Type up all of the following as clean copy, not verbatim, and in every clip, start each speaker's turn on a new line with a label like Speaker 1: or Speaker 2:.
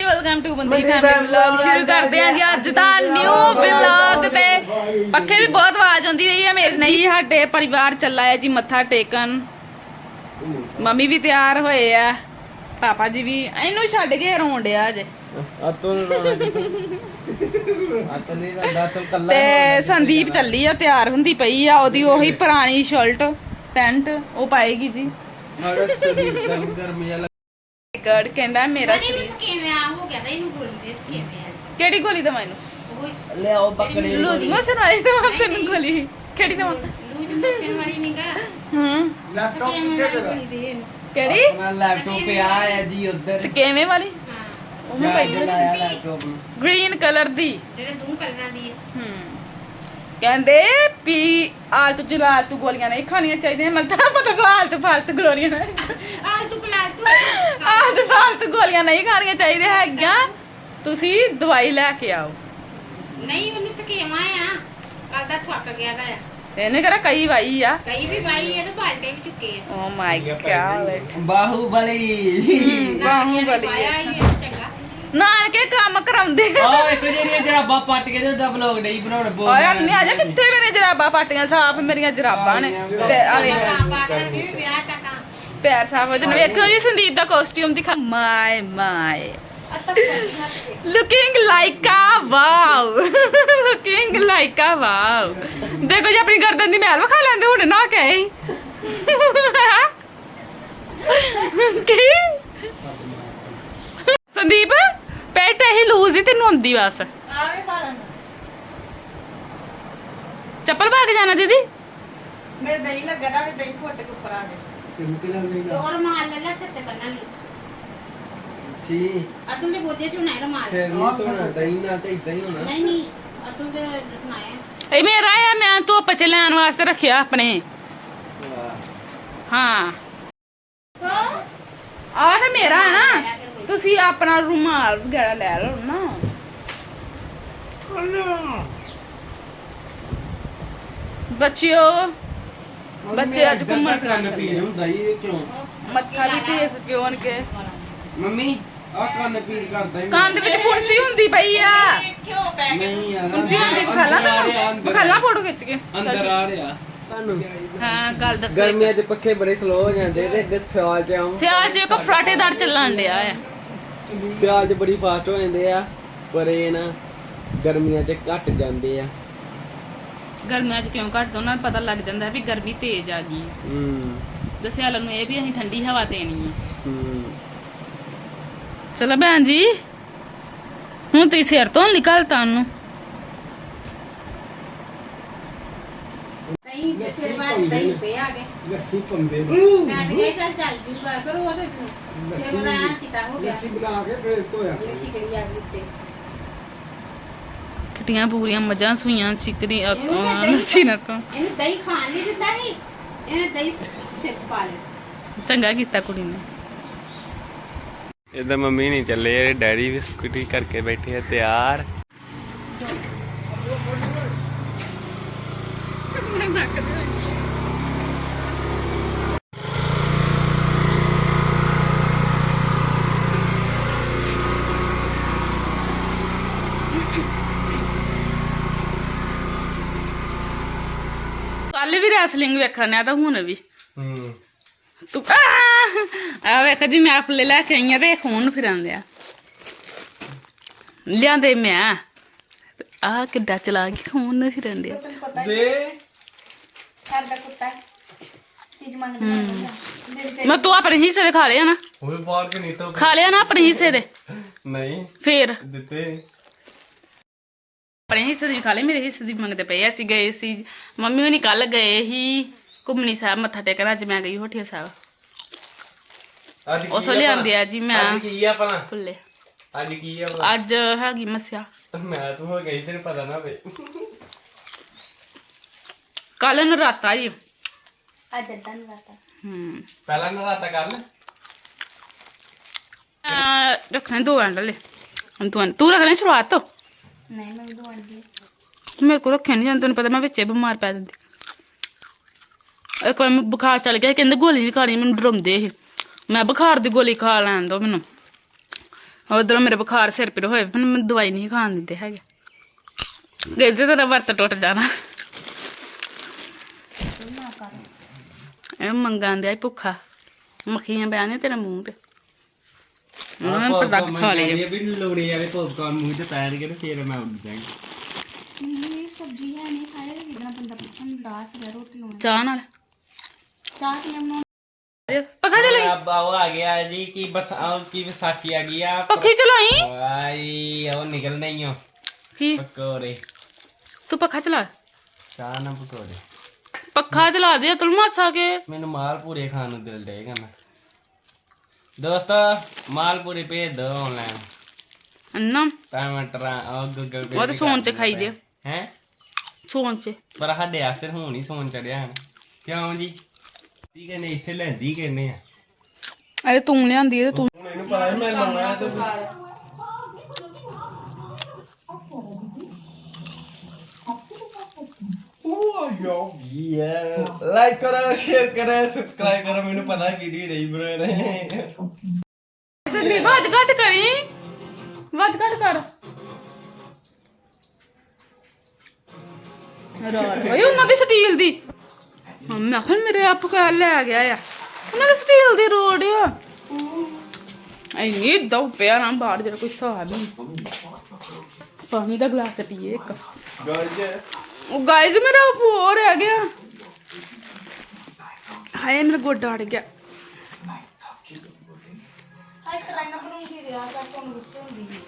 Speaker 1: welcome to Bandi family vlog ਸ਼ੁਰੂ ਕਰਦੇ ਆਂ ਜੀ ਅੱਜ ਦਾ ਨਿਊ ਵਲੌਗ ਤੇ ਪੱਖੇ ਦੀ ਬਹੁਤ ਆਵਾਜ਼ ਆਉਂਦੀ ਪਈ ਹੈ ਮੇਰੇ ਨਹੀਂ ਸਾਡੇ ਪਰਿਵਾਰ ਚੱਲਾ ਹੈ ਜੀ ਮੱਥਾ ਟੇਕਣ ਮੰਮੀ ਵੀ ਤਿਆਰ ਹੋਏ ਆ ਪਾਪਾ ਜੀ ਵੀ ਇਹਨੂੰ ਛੱਡ ਕੇ ਰੋਣ ਡਿਆ ਜੇ ਤੇ ਸੰਦੀਪ ਚੱਲੀ ਆ ਤਿਆਰ ਹੁੰਦੀ ਪਈ ਆ ਉਹਦੀ ਉਹੀ ਪੁਰਾਣੀ ਸ਼ਰਟ ਪੈਂਟ ਉਹ ਪਾਏਗੀ ਜੀ ਗੜ ਕਹਿੰਦਾ ਮੇਰਾ ਸਰੀਰ
Speaker 2: ਕਿਵੇਂ ਆ ਹੋ ਗਿਆ ਤਾਂ ਇਹਨੂੰ ਗੋਲੀ ਦੇ ਕਿਵੇਂ ਆ
Speaker 1: ਕਿਹੜੀ ਗੋਲੀ ਦਵਾਂ ਇਹਨੂੰ
Speaker 3: ਲੈ ਆਓ ਬੱਕਰੀ
Speaker 1: ਲੂਜ਼ ਮੋਸ਼ਨ ਵਾਲੀ ਦਵਾਂ ਤੈਨੂੰ ਗੋਲੀ ਕਿਹੜੀ ਦਵਾਂ
Speaker 2: ਲੂਜ ਮੋਸ਼ਨ ਵਾਲੀ ਨਹੀਂਗਾ
Speaker 3: ਲੈਪਟਾਪ
Speaker 2: ਕਿਵੇਂ ਵਾਲੀ ਗੋਲੀ ਦੇ ਇਹਨੂੰ
Speaker 1: ਕਿਹੜੀ
Speaker 3: ਆਪਣਾ ਲੈਪਟਾਪ ਪਿਆ ਹੈ ਜੀ ਉੱਧਰ
Speaker 1: ਤੇ ਕਿਵੇਂ ਵਾਲੀ
Speaker 2: ਹਾਂ
Speaker 1: ਉਹ ਮੈਂ ਪਈ
Speaker 3: ਲਾਇਆ ਲੈਪਟਾਪ ਨੂੰ
Speaker 1: ਗ੍ਰੀਨ ਕਲਰ ਦੀ
Speaker 2: ਜਿਹੜੇ ਦੋ ਕਲਰਾਂ ਦੀ ਹੈ
Speaker 1: ਕਹਿੰਦੇ ਪੀ ਆਲਤੂ ਜਲਾਲਤੂ ਗੋਲੀਆਂ ਨਹੀਂ ਖਾਣੀਆਂ ਚਾਹੀਦੀਆਂ ਮਤਲਬ ਆਲਤੂ ਫਾਲਤੂ ਗੋਲੀਆਂ ਨਹੀਂ
Speaker 2: ਆਲਤੂ ਕਲਾਲਤੂ
Speaker 1: ਆਲਤੂ ਫਾਲਤੂ ਗੋਲੀਆਂ ਨਹੀਂ ਖਾਣੀਆਂ ਚਾਹੀਦੀਆਂ ਹੈਗੀਆਂ ਤੁਸੀਂ ਦਵਾਈ ਲੈ ਕੇ ਆਓ
Speaker 2: ਨਹੀਂ ਉਹਨੂੰ ਥਕੇਵਾ ਆ ਕੱਲ ਦਾ ਥੱਕ ਗਿਆ ਦਾ ਆ
Speaker 1: ਇਹਨੇ ਕਿਹੜਾ ਕਈ ਵਾਈ ਆ
Speaker 2: ਕਈ ਵੀ ਬਾਈ ਇਹ ਤਾਂ ਬਾਲਟੇ ਵੀ ਚੁੱਕੇ ਆ
Speaker 1: oh my god
Speaker 3: Baahubali
Speaker 1: Baahubali
Speaker 2: ਪਾਇਆ ਹੀ ਇਹ ਚੰਗਾ
Speaker 1: ਨਾਲ ਕੇ ਕੰਮ ਕਰਾਉਂਦੇ
Speaker 3: ਆ ਇੱਕ ਜਿਹੜੀਆਂ ਜਰਾਬਾਂ ਪੱਟ ਕੇ ਤੇ ਉਹਦਾ ਵਲੌਗ ਨਹੀਂ ਬਣਾਉਣ ਬੋਲ
Speaker 1: ਓਏ ਅੰਨੇ ਆ ਜਾ ਕਿੱਥੇ ਮੇਰੇ ਜਰਾਬਾਂ ਪਾਟੀਆਂ ਸਾਫ ਮੇਰੀਆਂ ਜਰਾਬਾਂ ਨੇ ਤੇ ਆ ਵੇਖ
Speaker 2: ਪਾ ਕੇ ਵੀ ਵਿਆਹ ਤੱਕ
Speaker 1: ਪੈਰ ਸਾਫ ਹੋ ਜਾਣ ਵੇਖੋ ਜੀ ਸੰਦੀਪ ਦਾ ਕਾਸਟਿਊਮ ਦਿਖਾ my my looking like a wow looking like a wow ਦੇਖੋ ਜੀ ਆਪਣੀ ਗਰਦਨ ਦੀ ਮੈਲ ਵਿਖਾ ਲੈਂਦੇ ਹੁਣ ਨਾ ਕਹੇ ਕੀ ਸੰਦੀਪ ਪੈਟ ਇਹ ਲੂਜ਼ ਹੀ ਤੈਨੂੰ ਆਉਂਦੀ ਬਸ
Speaker 2: ਆਵੇ ਪਾਲਣ
Speaker 1: ਚੱਪਲ ਪਾ ਕੇ ਜਾਣਾ ਦੀਦੀ
Speaker 2: ਮੇਰੇ ਦਹੀਂ ਲੱਗਾ ਦਾ ਦਹੀਂ ਫੁੱਟ ਕੇ ਉੱਪਰ ਆ ਗਏ ਤੋਰ ਮਾਲ ਲੈ ਲੈ ਸਿਰ ਤੇ ਬੰਨਣ ਲਈ
Speaker 3: ਜੀ
Speaker 2: ਅਤੁਲ ਦੇ ਬੋਝੇ ਚ ਹੁਣਾ ਰਮਾਲ
Speaker 3: ਸਿਰ ਨਹੀਂ ਧੋਣਾ ਦਹੀਂ ਨਾਲ ਤੇ ਇਦਾਂ ਹੀ ਹੋਣਾ
Speaker 2: ਨਹੀਂ ਨਹੀਂ ਅਤੁਲ ਦੇ ਰਖਨਾਇਆ
Speaker 1: ਇਹ ਮੇਰਾ ਆ ਮੈਂ ਧੁੱਪ ਚ ਲੈਣ ਵਾਸਤੇ ਰੱਖਿਆ ਆਪਣੇ ਹਾਂ ਆਹ ਤਾਂ ਮੇਰਾ ਹੈ ਨਾ ਤੁਸੀਂ ਆਪਣਾ ਰੁਮਾਲ ਵਗੈਰਾ ਲੈ ਲਓ ਨਾ ਬੱਚਿਓ ਬੱਚੇ ਅੱਜ ਘੁੰਮਣ
Speaker 3: ਕੰਨ ਪੀੜ ਹੁੰਦਾ ਇਹ ਕਿਉਂ
Speaker 1: ਮੱਥਾ ਵੀ ਟੇਕ ਕਿਉਂ ਕੇ
Speaker 3: ਮੰਮੀ ਆ ਕੰਨ ਪੀੜ ਕਰਦਾ ਹੀ
Speaker 1: ਕੰਨ ਦੇ ਵਿੱਚ ਫੁੰਸੀ ਹੁੰਦੀ ਪਈ ਆ
Speaker 2: ਕਿਉਂ ਪੈ
Speaker 3: ਨਹੀਂ ਯਾਰ
Speaker 1: ਫੁੰਸੀ ਹੁੰਦੀ ਵਿਖਾਲਾ ਫੋਟੋ ਖਿੱਚ ਕੇ
Speaker 3: ਅੰਦਰ ਆ ਰਿਹਾ ਤੁਹਾਨੂੰ
Speaker 1: ਹਾਂ ਗੱਲ ਦੱਸੋ
Speaker 3: ਗਰਮੀਆਂ 'ਚ ਪੱਖੇ ਬੜੇ ਸਲੋ ਹੋ ਜਾਂਦੇ ਤੇ ਅੱਗੇ ਸਿਆਲ 'ਚ ਆਉਂ
Speaker 1: ਸਿਆਲ ਜੇ ਕੋ ਫਰਾਟੇਦਾਰ ਚੱਲਣ ਡਿਆ ਆ
Speaker 3: ਸਿਆਲ 'ਚ ਬੜੀ ਫਾਸਟ ਹੋ ਜਾਂਦੇ ਆ ਪਰ ਇਹ ਨਾ ਗਰਮੀਆਂ 'ਚ ਘਟ ਜਾਂਦੇ ਆ
Speaker 1: ਗਰਮੀਆਂ 'ਚ ਕਿਉਂ ਘੱਟ ਉਹਨਾਂ ਨੂੰ ਪਤਾ ਲੱਗ ਜਾਂਦਾ ਵੀ ਗਰਮੀ ਤੇਜ਼ ਆ ਗਈ ਦੱਸਿਆ ਨੂੰ ਇਹ ਵੀ ਅਸੀਂ ਠੰਡੀ ਹਵਾ ਦੇਣੀ ਆ ਚਲੋ ਭੈਣ ਜੀ ਹੁਣ ਤੁਸੀਂ ਸਿਰ ਤੋਂ ਨਿਕਲਤਾ ਉਹਨੂੰ
Speaker 2: ਦਹੀਂ ਦੇ ਸਿਰ ਬਾਅਦ ਦਹੀਂ ਤੇ ਆ ਗਏ
Speaker 3: ਲੱਸੀ ਪੰਦੇ
Speaker 2: ਮੈਂ ਤੇ ਗਈ ਚੱਲ ਚੱਲ ਜੂਗਾ ਪਰ ਉਹ ਤੇ ਸਿਰ ਉਹਦਾ ਐਂ ਚਿੱਟਾ ਹੋ ਗਿਆ
Speaker 3: ਬਣਾ ਕੇ ਫੇਰ ਧੋਇਆ
Speaker 2: ਜਿਹੜੀ ਸ਼ਿਕੜੀ ਆ ਗਈ ਉੱਤੇ
Speaker 1: ਕਿਟੀਆਂ ਪੂਰੀਆਂ ਮੱਝਾਂ ਸੂਈਆਂ ਚਿਕਰੀ
Speaker 2: ਇਹਨੂੰ ਮੈਂ ਦਹੀਂ
Speaker 1: ਲੱਸੀ ਨਾ ਤੋਂ
Speaker 2: ਇਹਨੂੰ ਦਹੀਂ ਖਾਣ ਨਹੀਂ ਦਿੱਤਾ ਸੀ ਇਹਨੇ ਦਹੀਂ ਸਿਰ ਪਾ ਲਿਆ
Speaker 1: ਚੰਗਾ ਕੀਤਾ ਕੁੜੀ ਨੇ
Speaker 3: ਇਦਾਂ ਮੰਮੀ ਨਹੀਂ ਚੱਲੇ ਡੈਡੀ ਵੀ ਸਕੂਟੀ ਕਰਕੇ ਬੈਠੇ ਆ ਤਿਆਰ
Speaker 1: ਕੱਲ ਵੀ ਰੈਸਲਿੰਗ ਵੇਖਣ ਆ ਤਾਂ ਹੁਣ ਵੀ ਤੂੰ ਆ ਵੇਖ ਜੀ ਮੈਂ ਆਪਲੇ ਲੈ ਕੇ ਆਈ ਆ ਤੇ ਖੂਨ ਫਿਰਾਂਦੇ ਆ ਲਿਆਂਦੇ ਮੈਂ ਆ ਕਿੱਡਾ ਚਲਾ ਕੇ ਖੂਨ ਫਿਰਾਂਦੇ ਆ
Speaker 3: ਦੇ
Speaker 2: ਸਾਡਾ ਕੁੱਤਾ ਚੀਜ਼ ਮੰਗਦਾ
Speaker 1: ਮੈਂ ਤੂੰ ਆਪਣੇ ਹਿੱਸੇ ਦੇ ਖਾ ਲਿਆ ਨਾ
Speaker 3: ਉਹ ਬਾਹਰ ਕੇ ਨਹੀਂ ਤਾਂ
Speaker 1: ਖਾ ਲਿਆ ਨਾ ਆਪਣੇ ਹਿੱਸੇ ਦੇ
Speaker 3: ਨਹੀਂ
Speaker 1: ਫੇਰ
Speaker 3: ਦਿੱਤੇ
Speaker 1: ਆਪਣੇ ਹਿੱਸੇ ਦੀ ਖਾ ਲਏ ਮੇਰੇ ਹਿੱਸੇ ਦੀ ਮੰਗਦੇ ਪਏ ਅਸੀਂ ਗਏ ਸੀ ਮੰਮੀ ਹੋਣੀ ਕੱਲ ਗਏ ਸੀ ਘੁੰਮਣੀ ਸਾਹਿਬ ਮੱਥਾ ਟੇਕਣ ਅੱਜ ਮੈਂ ਗਈ ਹੋਠੀਆ ਸਾਹਿਬ ਉਥੋਂ ਲਿਆਂਦੇ ਆ ਜੀ ਮੈਂ
Speaker 3: ਅੱਜ ਕੀ ਆ ਭਲਾ
Speaker 1: ਫੁੱਲੇ
Speaker 3: ਅੱਜ ਕੀ ਆ ਭਲਾ
Speaker 1: ਅੱਜ ਹੈਗੀ ਮੱਸਿਆ
Speaker 3: ਮੈਂ ਤੂੰ ਹੋ ਗਈ ਤੈਨੂੰ ਪਤਾ ਨਾ ਵੇ
Speaker 1: ਕੱਲ ਨਰਾਤਾ ਜੀ
Speaker 2: ਅੱਜ ਅੱਧਾ ਨਹੀਂ ਲਾਤਾ
Speaker 3: ਪਹਿਲਾਂ ਨਰਾਤਾ ਕਰ ਲੈ
Speaker 1: ਰੱਖਣੇ 2 ਐਂਡਲੇ ਤੂੰ ਰੱਖਣੇ ਸ਼ੁਰੂਆਤ ਤੋਂ
Speaker 2: ਨਹੀਂ ਮੈਂ ਦੋ ਆਂਦੀ
Speaker 1: ਮੇਰੇ ਕੋਲ ਰੱਖਿਆ ਨਹੀਂ ਜਾਂਦਾ ਤੈਨੂੰ ਪਤਾ ਮੈਂ ਵਿੱਚੇ ਬਿਮਾਰ ਪੈ ਜਾਂਦੀ ਇੱਕ ਵਾਰ ਮੈਨੂੰ ਬੁਖਾਰ ਚੱਲ ਗਿਆ ਕਹਿੰਦੇ ਗੋਲੀ ਨਹੀਂ ਖਾਣੀ ਮੈਨੂੰ ਡਰਾਉਂਦੇ ਇਹ ਮੈਂ ਬੁਖਾਰ ਦੀ ਗੋਲੀ ਖਾ ਲੈਣ ਦੋ ਮੈਨੂੰ ਉਧਰੋਂ ਮੇਰੇ ਬੁਖਾਰ ਸਿਰ ਪੀੜ ਹੋਏ ਪਰ ਮੈਨੂੰ ਦਵਾਈ ਨਹੀਂ ਖਾਣ ਦਿੰਦੇ ਹੈਗੇ ਦੇਖਦੇ ਤੇਰਾ ਵਰਤ ਟੁੱਟ ਜਾਣਾ ਇਹ ਮੰਗਾਂ ਦਿਆ ਭੁੱਖਾ ਮੱਖੀਆਂ ਬਿਆਨੇ ਤੇਰੇ ਮੂੰਹ ਤੇ ਪ੍ਰੋਡਕਟ ਖਾ ਲਏ
Speaker 3: ਵੀ ਲੋੜੇ ਵਾਲੇ ਪੌਪਕਾਰਨ ਮੂੰਹ 'ਚ ਪੈਣਗੇ ਤੇ ਫਿਰ ਮੈਂ ਉੱਡ ਜਾਵਾਂਗੀ
Speaker 2: ਇਹ ਸਬਜ਼ੀ ਹੈ ਨਹੀਂ ਖਾਏ ਜਿੱਦਾਂ ਬੰਦਾ ਪੁੱਛਣ ਦਾਸ ਰਿਹਾ ਰੋਟੀ ਹੋਣੀ
Speaker 1: ਚਾਹ ਨਾਲ
Speaker 2: ਚਾਹ ਕਿਵੇਂ ਬਣਾਉਣੀ
Speaker 1: ਪੱਖਾ ਚਲਾਈ
Speaker 3: अब वो आ गया है जी कि बस और की विसाखी आ गई है
Speaker 1: ਪੱਖੀ ਚਲਾਈ
Speaker 3: भाई वो निकल नहीं हो
Speaker 1: ਕੀ
Speaker 3: पकोड़े
Speaker 1: ਤੂੰ ਪੱਖਾ ਚਲਾ
Speaker 3: चाह ना पकोड़े
Speaker 1: ਪੱਖਾ ਚਲਾ ਦੇ ਤੁਲ ਮਾਸਾ ਕੇ
Speaker 3: मैंने मालपूरे खाने को दिल देगा ना दोस्तों मालपूरे भेज दो ऑनलाइन
Speaker 1: ਅੰਨਾ
Speaker 3: टमाटर और गूगल पे
Speaker 1: ਉਹ ਤਾਂ ਸੌਣ ਚ ਖਾਈ ਦੇ
Speaker 3: हैं
Speaker 1: ਸੌਣ ਚ
Speaker 3: पर साडे वास्ते हुण ही सोन चढ़िया है क्यों जी ती कहने इत्थे लैंदी कहने आ
Speaker 1: ਅਰੇ ਤੂੰ ਲਿਆਂਦੀ ਤੇ ਤੂੰ
Speaker 3: ਹੁਣ ਇਹਨੂੰ ਪਤਾ ਮੈਂ ਲਾਉਣਾ ਤੇ ਲਾਈਕ ਕਰੋ ਸ਼ੇਅਰ ਕਰੋ ਸਬਸਕ੍ਰਾਈਬ ਕਰੋ ਮੈਨੂੰ ਪਤਾ ਵੀਡੀਓ ਨਹੀਂ ਬਣਾ ਰਹੇ
Speaker 1: ਸੰਦੀਪ ਵਾਜ ਘੱਟ ਕਰੀ ਵਾਜ ਘੱਟ ਕਰ ਰਾਰ ਓਏ ਉਹਨਾਂ ਦੀ ਸਟੀਲ ਦੀ ਮੈਂ ਕਿਹਾ ਮੇਰੇ ਆਪ ਕਾ ਲੈ ਗਿਆ ਆ ਉਹਨਾਂ ਦੀ ਸਟੀਲ ਦੀ ਰੋਡ ਆ ਇੰਨੀ ਦੋ ਪਿਆ ਨਾ ਬਾਹਰ ਜਿਹੜਾ ਕੋਈ ਹਿਸਾਬ ਨਹੀਂ ਪਾਣੀ ਦਾ ਗਲਾਸ ਤੇ ਪੀਏ ਇੱਕ
Speaker 3: ਗਾਇਜ਼
Speaker 1: ਉਹ ਗਾਇਜ਼ ਮੇਰਾ ਹੋ ਰਹਿ ਗਿਆ ਹਾਏ ਮੇਰਾ ਗੋਡਾ ਅੜ ਗਿਆ
Speaker 2: ਹਾਈ ਕਰਾਈਨਾ ਬਣਾਉਂਦੀ ਰਿਹਾ ਤਾਂ ਤੁਹਾਨੂੰ ਗੁੱਸੇ ਹੁੰਦੀ ਹੈ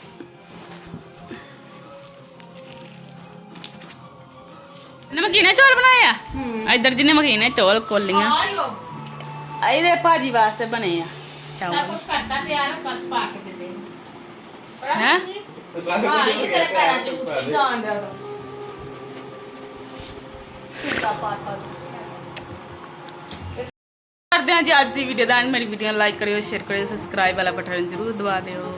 Speaker 1: ਇਹਨੇ ਮਕੀਨੇ ਚੌਲ ਬਣਾਏ ਆ ਇੱਧਰ ਜਿਹਨੇ ਮਕੀਨੇ ਚੌਲ ਕੋਲੀਆਂ
Speaker 2: ਆਇਓ
Speaker 1: ਇਹਦੇ ਭਾਜੀ ਵਾਸਤੇ ਬਣੇ ਆ
Speaker 2: ਸਭ
Speaker 1: ਚੌਲ
Speaker 2: ਕੁਝ ਕਰਤਾ ਤਿਆਰ ਬਸ ਪਾ ਕੇ ਦੇ ਦੇ
Speaker 1: ਹੈ
Speaker 2: ਹਾਂ ਇਹ ਤੇਰੇ ਪੈਰਾਂ 'ਚ ਉੱਤੇ ਜਾਣ ਦਿਆ ਤਾਂ ਕਿੱਦਾਂ ਪਾਟਾ
Speaker 1: ਕਰਦੇ ਹਾਂ ਜੀ ਅੱਜ ਦੀ ਵੀਡੀਓ ਦਾ ਐਂਡ ਮੇਰੀ ਵੀਡੀਓ ਨੂੰ ਲਾਈਕ ਕਰਿਓ ਸ਼ੇਅਰ ਕਰਿਓ ਸਬਸਕ੍ਰਾਈਬ ਵਾਲਾ ਬਟਨ ਜ਼ਰੂਰ ਦਬਾ ਦਿਓ